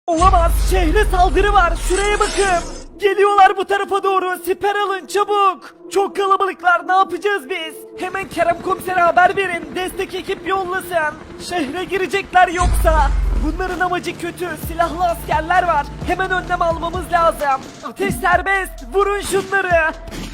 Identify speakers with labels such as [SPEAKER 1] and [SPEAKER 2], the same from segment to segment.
[SPEAKER 1] Olamaz, şehre saldırı var, şuraya bakın. Geliyorlar bu tarafa doğru, siper alın çabuk. Çok kalabalıklar, ne yapacağız biz? Hemen Kerem komisere haber verin, destek ekip yollasın. Şehre girecekler yoksa. Bunların amacı kötü, silahlı askerler var. Hemen önlem almamız lazım. Ateş serbest, vurun şunları.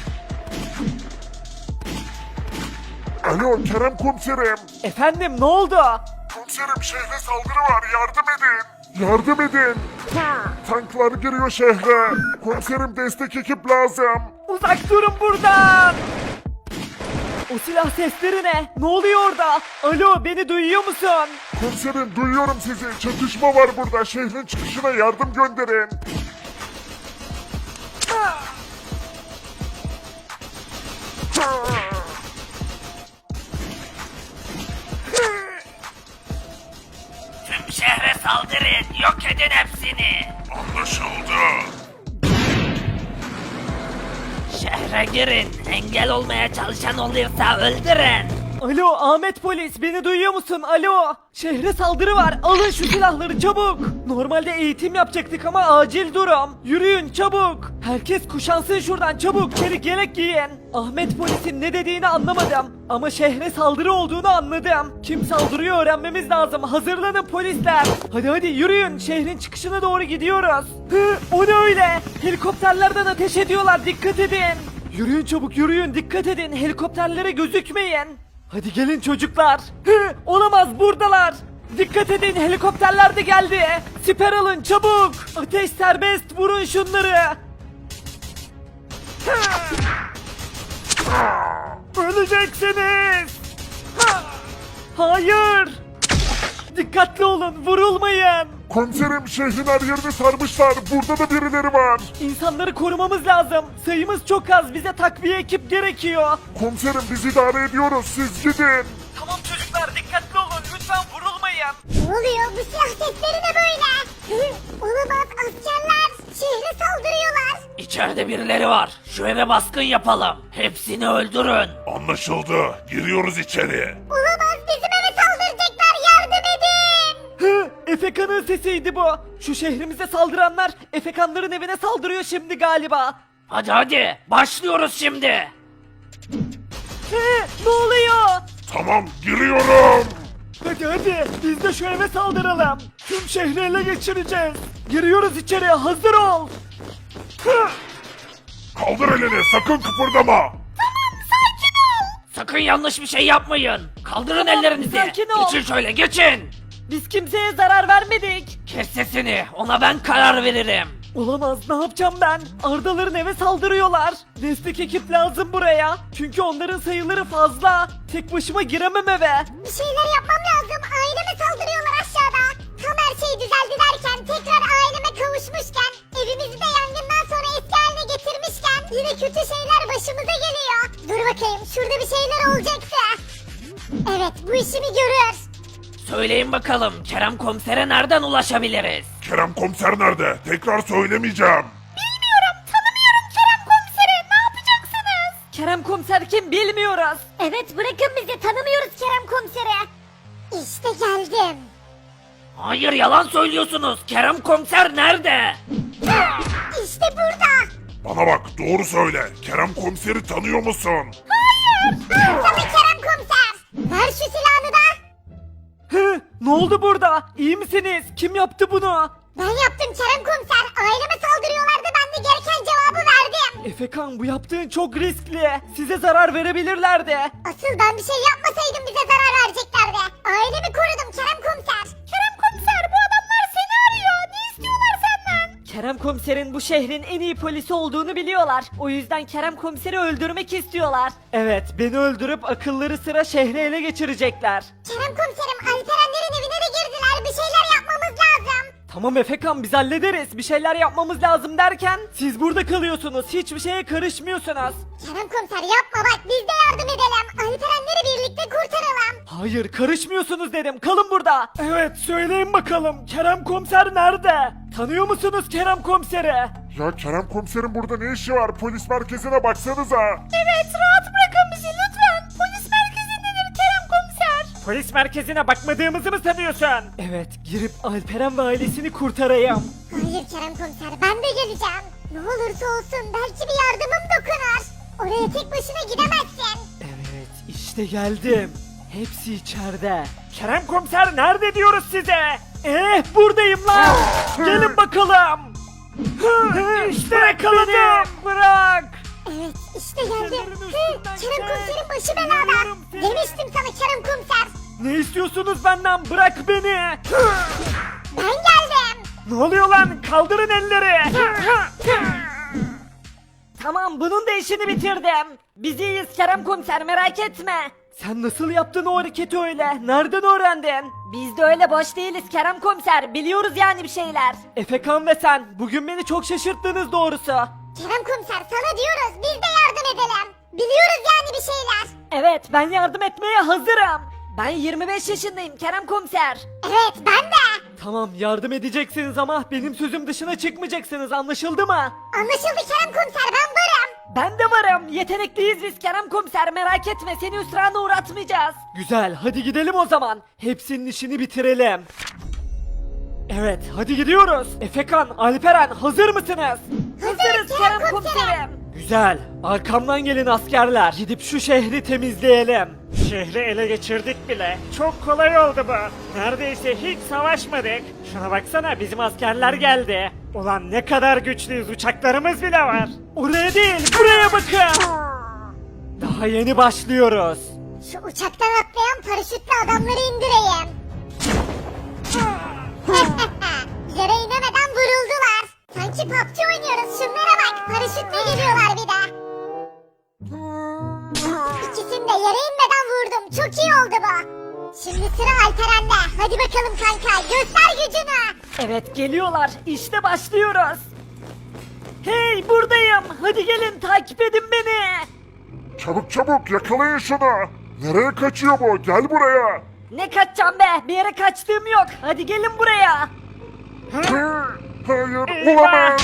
[SPEAKER 2] Alo Kerem komiserim.
[SPEAKER 1] Efendim, ne oldu?
[SPEAKER 2] Komiserim şehre saldırı var, yardım edin. Yardım edin. Tanklar giriyor şehre. Komiserim destek ekip lazım.
[SPEAKER 1] Uzak durun buradan. O silah sesleri ne? Ne oluyor orada? Alo, beni duyuyor musun?
[SPEAKER 2] Komiserim duyuyorum sizi. Çatışma var burada. Şehrin çıkışına yardım gönderin.
[SPEAKER 3] Tüm şehre saldırın, yok edin hepsini.
[SPEAKER 2] Anlaşıldı.
[SPEAKER 3] Şehre girin, engel olmaya çalışan olursa öldürün.
[SPEAKER 1] Alo Ahmet polis, beni duyuyor musun? Alo. Şehre saldırı var, alın şu silahları çabuk. Normalde eğitim yapacaktık ama acil durum. Yürüyün çabuk. Herkes kuşansın şuradan çabuk, çelik yelek giyin. Ahmet polisin ne dediğini anlamadım. Ama şehre saldırı olduğunu anladım. Kim saldırıyor öğrenmemiz lazım. Hazırlanın polisler. Hadi hadi yürüyün, şehrin çıkışına doğru gidiyoruz. Hı, o ne öyle? Helikopterlerden ateş ediyorlar, dikkat edin. Yürüyün çabuk yürüyün, dikkat edin, helikopterlere gözükmeyin. Hadi gelin çocuklar. Hı, olamaz, buradalar. Dikkat edin, helikopterler de geldi. Siper alın çabuk. Ateş serbest, vurun şunları. Hı. Öleceksiniz. Hı. Hayır. Dikkatli olun, vurulmayın.
[SPEAKER 2] Komiserim şehrin her yerini sarmışlar. Burada da birileri var.
[SPEAKER 1] İnsanları korumamız lazım. Sayımız çok az, bize takviye ekip gerekiyor.
[SPEAKER 2] Komiserim biz idare ediyoruz. Siz gidin.
[SPEAKER 1] Tamam çocuklar, dikkatli olun, lütfen vurulmayın.
[SPEAKER 4] Ne oluyor? Bu silah sesleri ne böyle? Olamaz, askerler şehre saldırıyorlar.
[SPEAKER 3] İçeride birileri var, şu eve baskın yapalım. Hepsini öldürün.
[SPEAKER 2] Anlaşıldı. Giriyoruz içeri.
[SPEAKER 4] Olamaz, bizim eve saldıracaklar, yardım edin.
[SPEAKER 1] Hı, Efekan'ın sesiydi bu. Şu şehrimize saldıranlar Efekanların evine saldırıyor şimdi galiba.
[SPEAKER 3] Hadi hadi, başlıyoruz şimdi.
[SPEAKER 1] Hı, ne oluyor?
[SPEAKER 2] Tamam giriyorum.
[SPEAKER 1] Hadi hadi, biz de şu eve saldıralım. Tüm şehri ele geçireceğiz. Giriyoruz içeri, hazır ol. Hı,
[SPEAKER 2] Kaldır elini sakın kıpırdama.
[SPEAKER 3] Sakın yanlış bir şey yapmayın. Kaldırın ellerinizi.
[SPEAKER 1] sakin ol.
[SPEAKER 3] Geçin şöyle, geçin.
[SPEAKER 1] biz kimseye zarar vermedik.
[SPEAKER 3] Kes sesini, ona ben karar veririm.
[SPEAKER 1] Olamaz, ne yapacağım ben? Ardaların eve saldırıyorlar. Destek ekip lazım buraya. Çünkü onların sayıları fazla. Tek başıma giremem eve.
[SPEAKER 4] Bir şeyler yapmam lazım. Aileme saldırıyorlar aşağıda. Tam her şey düzeldi derken, tekrar aileme kavuşmuşken, evimizi de yangından sonra eski haline getirmişken, yine kötü şeyler başımıza geliyor. Dur bakayım, şurada bir şeyler olacaktı. Evet, bu işimi görür.
[SPEAKER 3] Söyleyin bakalım, Kerem komisere nereden ulaşabiliriz?
[SPEAKER 2] Kerem komiser nerede? Tekrar söylemeyeceğim.
[SPEAKER 4] Bilmiyorum, tanımıyorum Kerem komiseri. Ne yapacaksınız?
[SPEAKER 1] Kerem komiser kim bilmiyoruz.
[SPEAKER 4] Evet, bırakın bizi, tanımıyoruz Kerem komiseri. İşte geldim.
[SPEAKER 3] Hayır, yalan söylüyorsunuz. Kerem komiser nerede?
[SPEAKER 4] İşte burada.
[SPEAKER 2] Bana bak doğru söyle. Kerem komiseri tanıyor musun?
[SPEAKER 4] Tabii Kerem komiser. Ver şu silahını da.
[SPEAKER 1] Hı, ne oldu burada? İyi misiniz? Kim yaptı bunu?
[SPEAKER 4] Ben yaptım Kerem komiser. Aileme saldırıyorlardı, ben de gereken cevabı verdim.
[SPEAKER 1] Efekan, bu yaptığın çok riskli. Size zarar verebilirlerdi.
[SPEAKER 4] Asıl ben bir şey yapmasaydım bize zarar vereceklerdi. Ailemi korudum Kerem komiser. Kerem komiser, bu adamlar seni arıyor. Ne istiyorlar senden?
[SPEAKER 1] Kerem komiserin bu şehrin en iyi polisi olduğunu biliyorlar. O yüzden Kerem komiseri öldürmek istiyorlar. Evet, beni öldürüp akılları sıra şehri ele geçirecekler.
[SPEAKER 4] Kerem komiserim, Alperenlerin evine de girdiler. Bir şeyler yapmamız lazım.
[SPEAKER 1] Tamam Efekan, biz hallederiz. Bir şeyler yapmamız lazım derken siz burada kalıyorsunuz. Hiçbir şeye karışmıyorsunuz.
[SPEAKER 4] Kerem komiser yapma bak, biz de yardım edelim. Alperenleri birlikte kurtaralım.
[SPEAKER 1] Hayır, karışmıyorsunuz dedim. Kalın burada. Evet, söyleyin bakalım. Kerem komiser nerede? Tanıyor musunuz Kerem komiseri?
[SPEAKER 2] Ya Kerem komiserin burada ne işi var? Polis merkezine baksanıza.
[SPEAKER 4] Evet, rahat bırakın bizi lütfen. Polis merkezindedir Kerem komiser.
[SPEAKER 1] Polis merkezine bakmadığımızı mı sanıyorsun? Evet, girip Alperen ve ailesini kurtarayım.
[SPEAKER 4] Hayır Kerem komiser ben de geleceğim. Ne olursa olsun belki bir yardımım dokunur. Oraya tek başına gidemezsin.
[SPEAKER 1] Evet, işte geldim. Hepsi içeride. Kerem komiser nerede diyoruz size? Buradayım lan. Gelin bakalım. İşte yakaladım. Bırak.
[SPEAKER 4] Evet işte geldim.
[SPEAKER 1] Sınırın
[SPEAKER 4] Kerem
[SPEAKER 1] üstünden
[SPEAKER 4] komiserin başı
[SPEAKER 1] geç.
[SPEAKER 4] belada.
[SPEAKER 1] Biliyorum seni.
[SPEAKER 4] Demiştim sana Kerem komiser.
[SPEAKER 1] Ne istiyorsunuz benden? Bırak beni.
[SPEAKER 4] Ben geldim.
[SPEAKER 1] Ne oluyor lan? Kaldırın elleri. Tamam, bunun da işini bitirdim. Biz iyiyiz Kerem komiser, merak etme. Sen nasıl yaptın o hareketi öyle? Nereden öğrendin? Biz de öyle boş değiliz Kerem komiser. Biliyoruz yani bir şeyler. Efekan ve sen bugün beni çok şaşırttınız doğrusu.
[SPEAKER 4] Kerem komiser sana diyoruz biz de yardım edelim. Biliyoruz yani bir şeyler.
[SPEAKER 1] Evet, ben yardım etmeye hazırım. Ben 25 yaşındayım Kerem komiser.
[SPEAKER 4] Evet ben de.
[SPEAKER 1] Tamam, yardım edeceksiniz ama benim sözüm dışına çıkmayacaksınız, anlaşıldı mı?
[SPEAKER 4] Anlaşıldı Kerem komiser ben varım.
[SPEAKER 1] Ben de varım. Yetenekliyiz biz Kerem komiser, merak etme, seni hüsrana uğratmayacağız. Güzel, hadi gidelim o zaman. Hepsinin işini bitirelim. Evet, hadi gidiyoruz. Efekan, Alperen hazır mısınız?
[SPEAKER 4] Hazırız Kerem komiserim.
[SPEAKER 1] Güzel, arkamdan gelin askerler. Gidip şu şehri temizleyelim. Şehri ele geçirdik bile. Çok kolay oldu bu. Neredeyse hiç savaşmadık. Şuna baksana, bizim askerler geldi. Ulan ne kadar güçlüyüz, uçaklarımız bile var. Oraya değil, buraya bakın. Daha yeni başlıyoruz.
[SPEAKER 4] Şu uçaktan atlayan paraşütlü adamları indireyim. Yere inemeden vuruldular. Sanki PUBG oynuyoruz şunlara bak. Paraşütle geliyorlar bir de. İkisini de yere inmeden vurdum. Çok iyi oldu bu. Şimdi sıra Alperen'de. Hadi bakalım kanka göster gücünü.
[SPEAKER 1] Evet, geliyorlar. İşte başlıyoruz. Hey, buradayım. Hadi gelin, takip edin beni.
[SPEAKER 2] Çabuk çabuk yakalayın şunu. Nereye kaçıyor bu? Gel buraya.
[SPEAKER 1] Ne kaçacağım be? Bir yere kaçtığım yok. Hadi gelin buraya.
[SPEAKER 2] Hayır olamaz.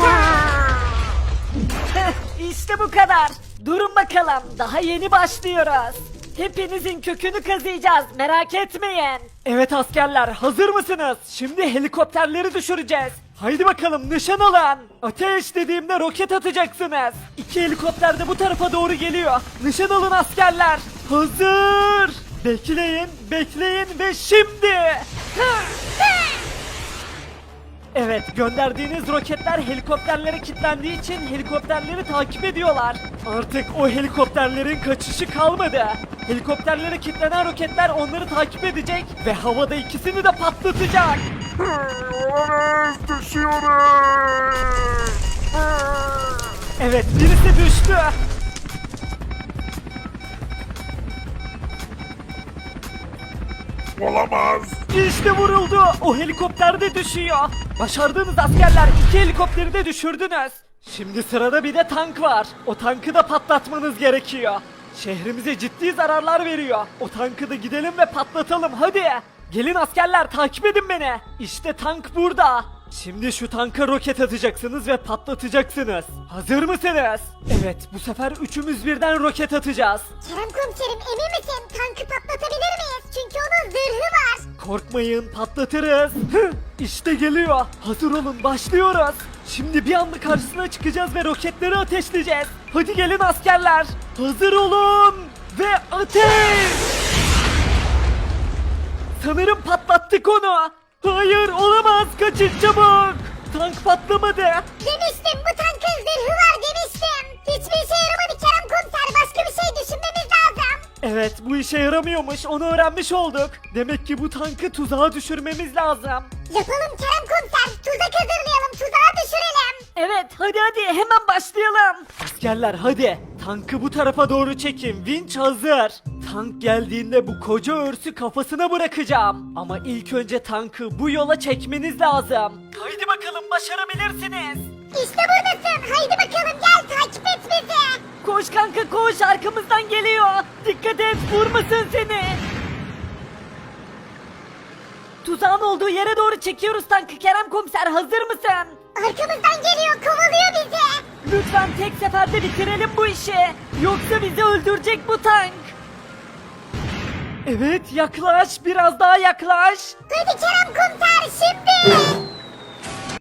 [SPEAKER 1] İşte bu kadar. Durun bakalım. Daha yeni başlıyoruz. Hepinizin kökünü kazıyacağız. Merak etmeyin. Evet askerler, hazır mısınız? Şimdi helikopterleri düşüreceğiz. Haydi bakalım, nişan alın. Ateş dediğimde roket atacaksınız. 2 helikopter de bu tarafa doğru geliyor. Nişan alın askerler. Hazır. Bekleyin, bekleyin ve şimdi. Evet, gönderdiğiniz roketler helikopterlere kilitlendiği için helikopterleri takip ediyorlar. Artık o helikopterlerin kaçışı kalmadı. Helikopterlere kilitlenen roketler onları takip edecek ve havada ikisini de patlatacak.
[SPEAKER 2] Olamaz. Düşüyoruz.
[SPEAKER 1] Evet, birisi düştü.
[SPEAKER 2] Olamaz.
[SPEAKER 1] İşte vuruldu. O helikopter de düşüyor. Başardığınız askerler, 2 helikopteri de düşürdünüz. Şimdi sırada bir de tank var. O tankı da patlatmanız gerekiyor. Şehrimize ciddi zararlar veriyor. O tankı da gidelim ve patlatalım hadi. Gelin askerler, takip edin beni. İşte tank burada. Şimdi şu tanka roket atacaksınız ve patlatacaksınız. Hazır mısınız? Evet, bu sefer üçümüz birden roket atacağız.
[SPEAKER 4] Kerem komiserim emin misin? Tankı patlatabilir miyiz? Çünkü onun zırhı var.
[SPEAKER 1] Korkmayın, patlatırız. İşte geliyor. Hazır olun, başlıyoruz. Şimdi bir anda karşısına çıkacağız ve roketleri ateşleyeceğiz. Hadi gelin askerler. Hazır olun ve ateş! Sanırım patlattık onu. Hayır, olamaz. Kaçın çabuk. Tank patlamadı.
[SPEAKER 4] Demiştim bu tankın zırhı var demiştim. Hiçbir işe yaramadı Kerem komiser. Başka bir şey düşünmemiz lazım.
[SPEAKER 1] Evet, bu işe yaramıyormuş. Onu öğrenmiş olduk. Demek ki bu tankı tuzağa düşürmemiz lazım.
[SPEAKER 4] Yapalım Kerem komiser. Tuzak hazırlayalım. Tuzağa düşürelim.
[SPEAKER 1] Evet, hadi hemen başlayalım. Askerler hadi, tankı bu tarafa doğru çekin. Vinç hazır. Tank geldiğinde bu koca örsü kafasına bırakacağım. Ama ilk önce tankı bu yola çekmeniz lazım. Haydi bakalım, başarabilirsiniz.
[SPEAKER 4] İşte buradasın. Haydi bakalım gel takip et bizi.
[SPEAKER 1] Koş kanka koş, arkamızdan geliyor. Dikkat et, vurmasın seni. Tuzağın olduğu yere doğru çekiyoruz tankı. Kerem komiser, hazır mısın?
[SPEAKER 4] Arkamızdan geliyor kovalıyor bizi.
[SPEAKER 1] Lütfen tek seferde bitirelim bu işi. Yoksa bizi öldürecek bu tank. Evet yaklaş biraz daha yaklaş.
[SPEAKER 4] Hadi Kerem komiser şimdi.